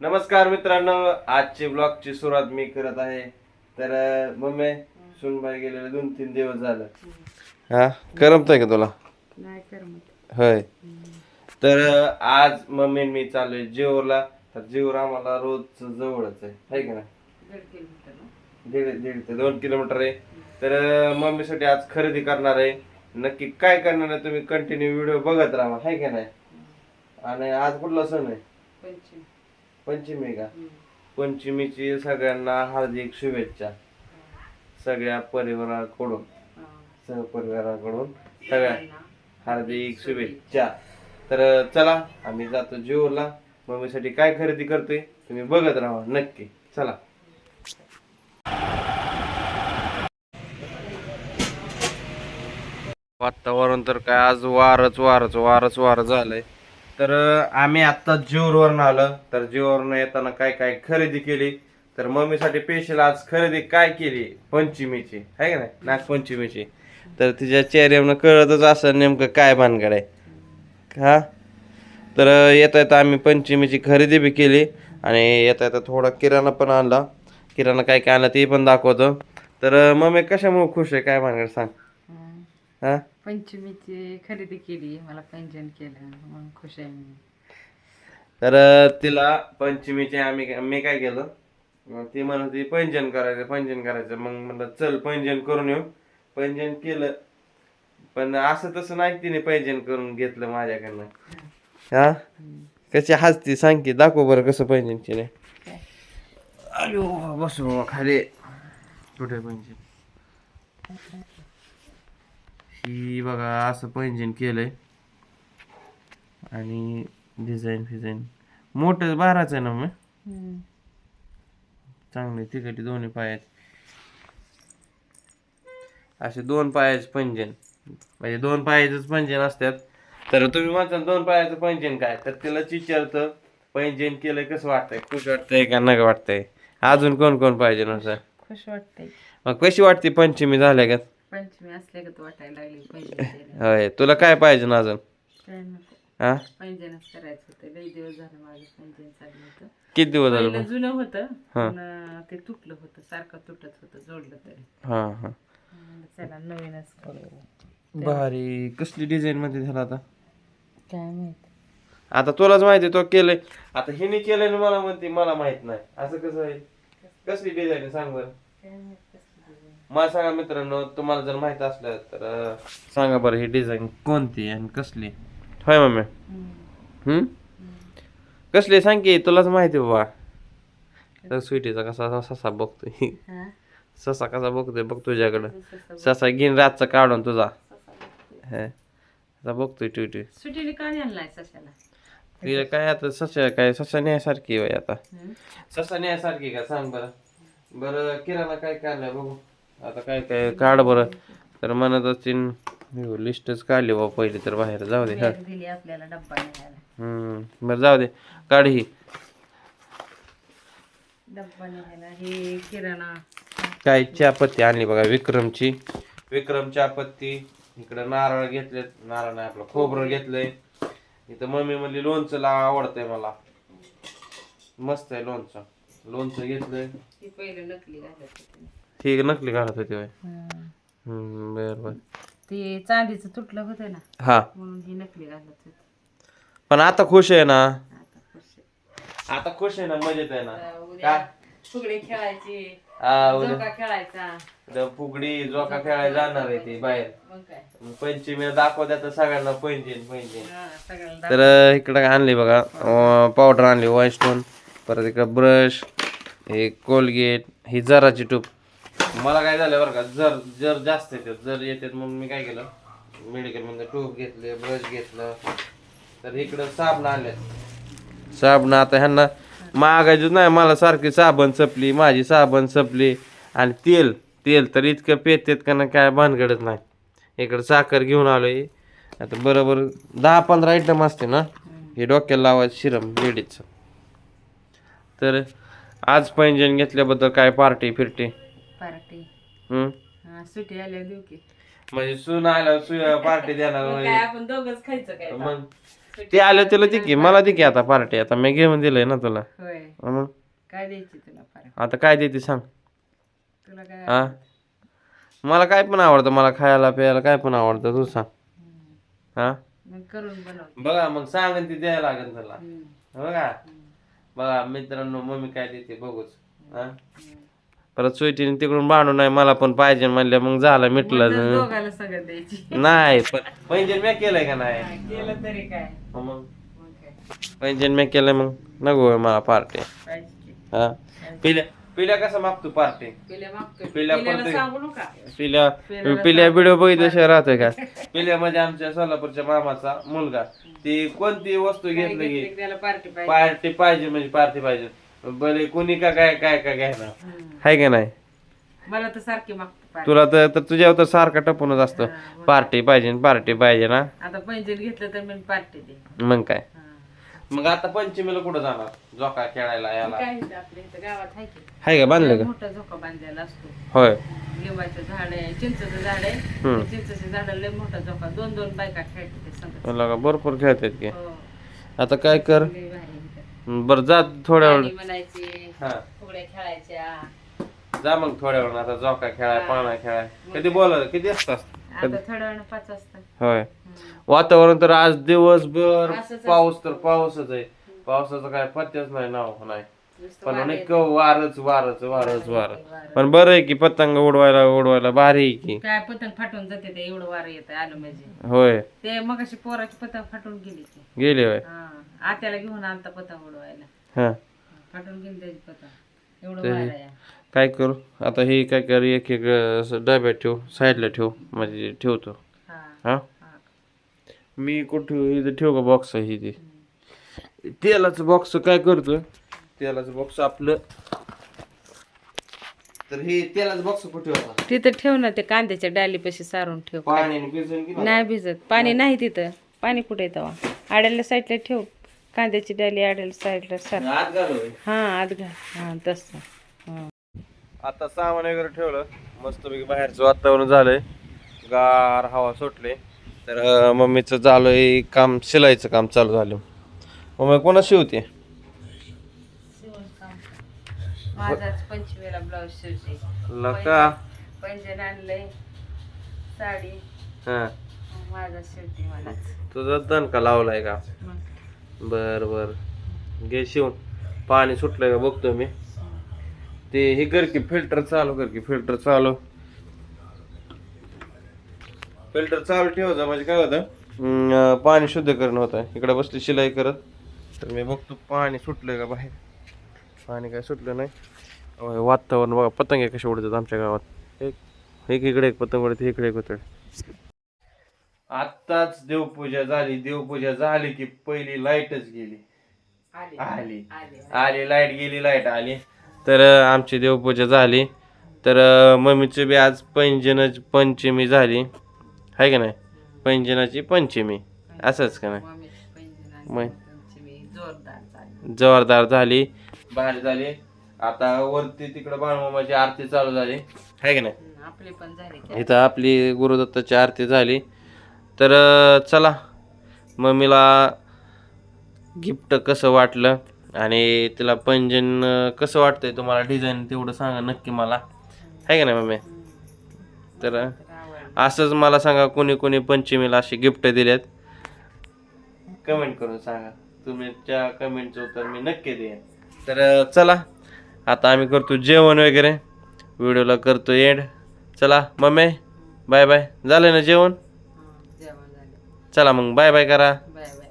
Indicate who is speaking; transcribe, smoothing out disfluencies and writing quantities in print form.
Speaker 1: नमस्कार मित्रांनो, आजची ब्लॉगची सुरुवात मी करत आहे. तर मम्मी सुनबाई गेलेले 2-3 दिवस झालं. हा करमतंय का तुला?
Speaker 2: नाही करमत.
Speaker 1: होय. तर आज मम्मी आणि मी चाललोय जेऊरला. तर जेऊर आम्हाला रोज जवळच आहे का नाही? 1.5 ते 2 किलोमीटर आहे. तर मम्मीसाठी आज खरेदी करणार आहे. नक्की काय करणार आहे तुम्ही कंटिन्यू व्हिडिओ बघत राहा, आहे का नाही? आणि आज कुठला सण आहे? पंचमी का? पंचमीची सगळ्यांना हार्दिक शुभेच्छा. सगळ्या परिवाराकडून सहपरिवाराकडून सगळ्या हार्दिक शुभेच्छा. तर चला आम्ही जातो जेऊरला. मम्मीसाठी काय खरेदी करतोय तुम्ही बघत राहा नक्की. चला. वातावरण तर काय आज वारच झालंय. तर आम्ही आता जेऊरवरून आलो. तर जेऊरवरून येताना काय काय खरेदी केली. तर मम्मीसाठी स्पेशल आज खरेदी काय केली पंचमीची, आहे का नाही, नागपंचमीची. तर तिच्या चेहऱ्यावरनं कळतच असं नेमकं काय भानगड आहे हा. तर येता येता आम्ही पंचमीची खरेदी बी केली आणि येता येता थोडा किराणा पण आणला. किराणा काय काय आणला ते पण दाखवतो. तर मम्मी कशामुळे खुश आहे काय भानगड सांग. हा
Speaker 2: पंचमीची खरेदी केली, मला पैंजण केलं म्हणून खुश आहे मी.
Speaker 1: तर तिला पंचमीचे मी काय केलं, ती म्हणत होती पैंजण करायचं. मग म्हणलं चल पैंजण करून येऊ. पैंजण केलं, पण असं तसं नाही तिने पैंजण करून घेतलं माझ्याकडनं. हा कशी हसती सांग की, दाखव बरं कसं पैंजण केलं. अयो बसू खाली. कुठे पैंजण? ही बघा असं पैंजण केलंय आणि डिझाईन मोठं बाराचं आहे ना मग. चांगले तिकटी दोन्ही पायाचे असे 2 पायाचे पैंजण, म्हणजे 2 पायाचेच पैंजण असतात. तर तुम्ही म्हणता 2 पायाचं पैंजण काय, तर तिला विचारतं पैंजण केलंय कसं वाटतंय, खुश वाटतंय का नका वाटतंय. अजून कोण पाहिजे ना सर?
Speaker 2: खुश वाटतंय.
Speaker 1: मग कशी वाटते पंचमी झाल्या का?
Speaker 2: पंचमी असल्या का वाटायला लागली पैंजण.
Speaker 1: होय, तुला काय पाहिजे ना अजून?
Speaker 2: काय नको,
Speaker 1: हा
Speaker 2: पैंजणच करायचं होतं. लई दिवस झालं माझं पैंजण चाललं होतं.
Speaker 1: किती दिवस झाले
Speaker 2: पहिलं
Speaker 1: मग?
Speaker 2: जुनं होतं
Speaker 1: हा.
Speaker 2: पण ते तुटलं होतं, सारखं तुटत होतं, जोडलं तरी.
Speaker 1: हा
Speaker 2: म्हणलं चला नवीनच करू.
Speaker 1: भारी. कसली डिझाईन मध्ये झाला आता?
Speaker 2: काय माहित.
Speaker 1: आता तुलाच माहिती तो केलंय. आता हिने केलंय ना मला म्हणते मला माहित नाही, असं कसं आहे? कसली डिझाईन सांग बरं.
Speaker 2: काय माहित कसली design.
Speaker 1: मला सांगा मित्रांनो, तुम्हाला जर माहित असलं तर सांगा बरं ही डिझाईन कोणती आणि कसली. होय मम्मी? कसली सांग की, तुलाच माहिती बाबा. तर स्वीटीचा कसा ससा बघतोय.
Speaker 2: हा?
Speaker 1: ससा कसा बघतोय बघ तुझ्याकडं.
Speaker 2: ससा
Speaker 1: ससा घेईन रातचा काढून तुझा. बघतोय ट्विटी.
Speaker 2: सुट्टीने काय आणलाय सशाला?
Speaker 1: तिला काय आता ससा न्यायसारखी आहे आता. ससा न्यायसारखी का सांग बरं. बरं किराणा काय काढलाय बघू आता. काय काय काढ बरं. तर म्हणत असतील लिस्टच काढली बाबा पहिली, तर बाहेर जाऊ दे.
Speaker 2: बॅग दिली आपल्याला डब्बा न्यायला.
Speaker 1: बरं जाऊ दे, काढ ही.
Speaker 2: डब्बा न्यायला हे किराणा.
Speaker 1: काय चहापत्ती आणली बघा विक्रम चहापत्ती. इकडं नारळ घेतलेत, नारळ नाही आपलं खोबरं घेतलंय. इथं मम्मी म्हणली लोणचं आवडतंय मला, मस्त आहे लोणचं घेतलंय.
Speaker 2: ती पहिलं नकली घालत होती.
Speaker 1: ठीक नकली घालत होती होय. बर
Speaker 2: ते चांदीचं तुटलं होतं ना,
Speaker 1: हा,
Speaker 2: म्हणून ही नकली घालत होती.
Speaker 1: पण आता खुश आहे ना.
Speaker 2: आता खुश आहे.
Speaker 1: ना, मजेत आहे ना.
Speaker 2: उद्या फुगडी खेळायची,
Speaker 1: उद्या
Speaker 2: झोका खेळायचा.
Speaker 1: फुगडी झोका खेळायला जाणार आहे ती बाहेर.
Speaker 2: मग काय,
Speaker 1: पंचमीला दाखवत्यात सगळ्यांना पैंजण.
Speaker 2: हा, सगळ्याला
Speaker 1: तर इकडे आणली बघा पावडर आणली व्हाईट स्टोन. परत इकडं ब्रश, हे कोलगेट, ही जराची टूप. मला काय झालं बरं का, जर जास्त येतात मग मी काय केलं, मेडिकल मध्ये टूप घेतले, ब्रश घेतलं. तर इकडं साबण आणले. साबण आता ह्यांना मागायचं नाही, मला सारखी साबण संपली, माझी साबण संपली. आणि तेल तर इतकं पेतेत का ना काय भानगडच नाही. इकडं साखर घेऊन आलोय. आता बरोबर 10-15 आयटम असते ना हे डोक्याला लावायचं शिरम लेडीजचं. तर आज पैंजण घेतल्याबद्दल काय पार्टी
Speaker 2: पार्टी
Speaker 1: हम्म,
Speaker 2: सुट्टी आल्या देऊ की.
Speaker 1: म्हणजे सून आल्यावर पार्टी देणार
Speaker 2: मग काय आपण दोघच खायचं काय?
Speaker 1: मग ते आलं तिला दे की, मला दे की आता पार्टी. आता मी घेऊन दिलंय ना तुला.
Speaker 2: होय.
Speaker 1: मग
Speaker 2: काय द्यायची तुला फार
Speaker 1: आता काय देते सांग.
Speaker 2: तुला काय
Speaker 1: हा मला काय पण आवडतं, मला खायला प्यायला काय पण आवडतं, तू सांग. हा
Speaker 2: मग करून बनव.
Speaker 1: बघा मग सांगन ती द्यायला लागेल त्याला.
Speaker 2: हम्म.
Speaker 1: बघा बघा मित्रांनो, मम्मी काय देते बघूच. हा परत स्वीटीने तिकडून भांडून नाही मला पण पाहिजे म्हणल्या, मग झालं मिटलं.
Speaker 2: म्हणूनच दोघाला सगळं द्यायची.
Speaker 1: नाही पण पैंजण मी केलंय का नाही.
Speaker 2: हा, केलं तरी काय
Speaker 1: मग
Speaker 2: मग काय
Speaker 1: पैंजण मी केलंय, मग नको होय मला पार्टी.
Speaker 2: पाहिजे की.
Speaker 1: हा पिल्या पिल्या कसं मागतो पार्टी.
Speaker 2: पिल्या मागतोय.
Speaker 1: पिल्या
Speaker 2: पिल्याला
Speaker 1: पण
Speaker 2: सांगू नका.
Speaker 1: पिल्या पिल्या व्हिडिओ बघितल्याशिवाय राहतोय का. पिल्या म्हणजे आमच्या सोलापूरच्या मामाचा मुलगा. ती कोणती वस्तू
Speaker 2: काय
Speaker 1: घेतली की
Speaker 2: घेतलं त्याला पार्टी पाहिजे.
Speaker 1: पार्टी पाहिजे म्हणजे पार्टी पाहिजे. भले कोणी का काय काय काय घ्यायला हाय का नाही.
Speaker 2: मला तर सारखी मागतो पार्टी.
Speaker 1: तुला तर तुझ्यावर तर सारखा टपूनच असतं, पार्टी पाहिजे ना.
Speaker 2: आता पैंजण घेतलं तर मी पार्टी दे.
Speaker 1: मग काय
Speaker 2: हा.
Speaker 1: मग आता पंचमीला कुठं जाणार झोका खेळायला याला.
Speaker 2: काय इथं आपल्या इथं गावात आहे की
Speaker 1: हाय का बांधलं का.
Speaker 2: मोठा झोका बांधलेला असतो.
Speaker 1: होय
Speaker 2: लिंबाचं झाड आहे, चिंचेचं झाड आहे.
Speaker 1: हम्म.
Speaker 2: चिंचेच्या झाडाला लय मोठा झोका, 2-2 बायका खेळतात ते संगत.
Speaker 1: मला का भरपूर खेळतात की.
Speaker 2: हो.
Speaker 1: आता काय कर
Speaker 2: लय भारी इथं.
Speaker 1: बरं जा थोड्या वेळ.
Speaker 2: गाणी म्हणायची,
Speaker 1: हा
Speaker 2: फुगड्या खेळायच्या.
Speaker 1: जा मग थोड्या वेळ आता झोका खेळाय पाळणा खेळाय. कधी बोला किती असतात.
Speaker 2: आता थोड्या वेळ 5 वाजता.
Speaker 1: होय वातावरण तर आज दिवसभर
Speaker 2: असंच
Speaker 1: पाऊस तर पाऊसच आहे. पावसाचं काय पत्त्याच नाही नाव नाही.
Speaker 2: नुसतं
Speaker 1: पण
Speaker 2: वारं
Speaker 1: अनेक
Speaker 2: येतं.
Speaker 1: वारच
Speaker 2: वारं.
Speaker 1: पण बरं आहे की पतंग उडवायला भारी आहे की.
Speaker 2: काय पतंग फाटून जाते ते, एवढं वारं येतं आलं म्हणजे.
Speaker 1: होय
Speaker 2: ते मग अशी पोराची पतंग फाटून गेली ती.
Speaker 1: गेले होय.
Speaker 2: हा आत्याला घेऊन आणता पतंग उडवायला.
Speaker 1: हा
Speaker 2: फाटून गेली त्याची पतंग, एवढं
Speaker 1: तरी
Speaker 2: वारं आहे.
Speaker 1: काय करू आता हे काय कर एक एक असं डब्यात ठेव साईडला ठेव म्हणजे ठेवतो.
Speaker 2: हा
Speaker 1: हा
Speaker 2: हा.
Speaker 1: मी कुठं इथं ठेव का बॉक्स आहे ते तेलाचं बॉक्स काय करतो. तेलाचं बॉक्स आपलं तर हे तेलाचं बॉक्स कुठे होता.
Speaker 2: तिथं ठेव ना, ते कांद्याच्या डालीपाशी सारून ठेव.
Speaker 1: पाण्याने भिजून की
Speaker 2: नाही भिजत, पाणी नाही तिथं. पाणी कुठे येतं आड्याला साईडला ठेव, कांद्याची डाली आड्याला साईडला सार.
Speaker 1: आत घालू.
Speaker 2: हा आत घाल. हा तसं. हा.
Speaker 1: आता सामान वगैरे ठेवलं मस्तपैकी, बाहेरचं वातावरण झालंय, गार हवा सुटले. तर मम्मीचं चालूय काम, शिलाईचं काम चालू झालं. मम्मी कोणा शिवते.
Speaker 2: माझाच पंचमीला ब्लाऊज शिवते.
Speaker 1: लका
Speaker 2: पैंजण आणलंय, साडी
Speaker 1: हा
Speaker 2: माझा शिवते मलाच.
Speaker 1: तुझा दणका लावलाय का.
Speaker 2: मग
Speaker 1: बर बर घे शिवून. पाणी सुटलंय का बघतो मी. ते हे कर की फिल्टर चालू कर की. फिल्टर चालू ठेवायचं म्हणजे काय होतं पाणी शुद्ध करणं होतं. इकडे बसली शिलाई करत तर मी बघतो पाणी सुटलंय का बाहेर. पाणी काय सुटलं नाही. वातावरण बघा पतंग कसे उडतात आमच्या गावात. एक इकडे एक पतंग उडते, इकडे एक उतरते. आत्ताच देवपूजा झाली की पहिली लाईटच गेली. आली लाईट गेली, लाईट आली. तर आमची देवपूजा झाली. तर मम्मीची बी आज पंचमी झाली आहे का नाही. पैंजणाची पंचमी असंच का नाही. मग जोरदार झाली, भारी झाली. आता वरती तिकडं बाळमामाची आरती चालू झाली आहे का नाही.
Speaker 2: आपली पण झाली.
Speaker 1: इथं आपली गुरुदत्ताची आरती झाली. तर चला मम्मीला गिफ्ट कसं वाटलं आणि तिला पैंजण कसं वाटतंय तुम्हाला डिझाईन तेवढं सांगा नक्की मला, आहे का नाही मम्मी. तर असंच मला सांगा कोणी कोणी पंचमीला अशी गिफ्ट दिलेत, कमेंट करून सांगा. तुमच्या कमेंटचं उत्तर मी नक्की देईन. तर चला आता आम्ही करतो जेवण वगैरे, व्हिडिओला करतो एंड. चला मम्मी बाय बाय. झालं ना जेवण. चला मग बाय बाय करा.
Speaker 2: Bye bye.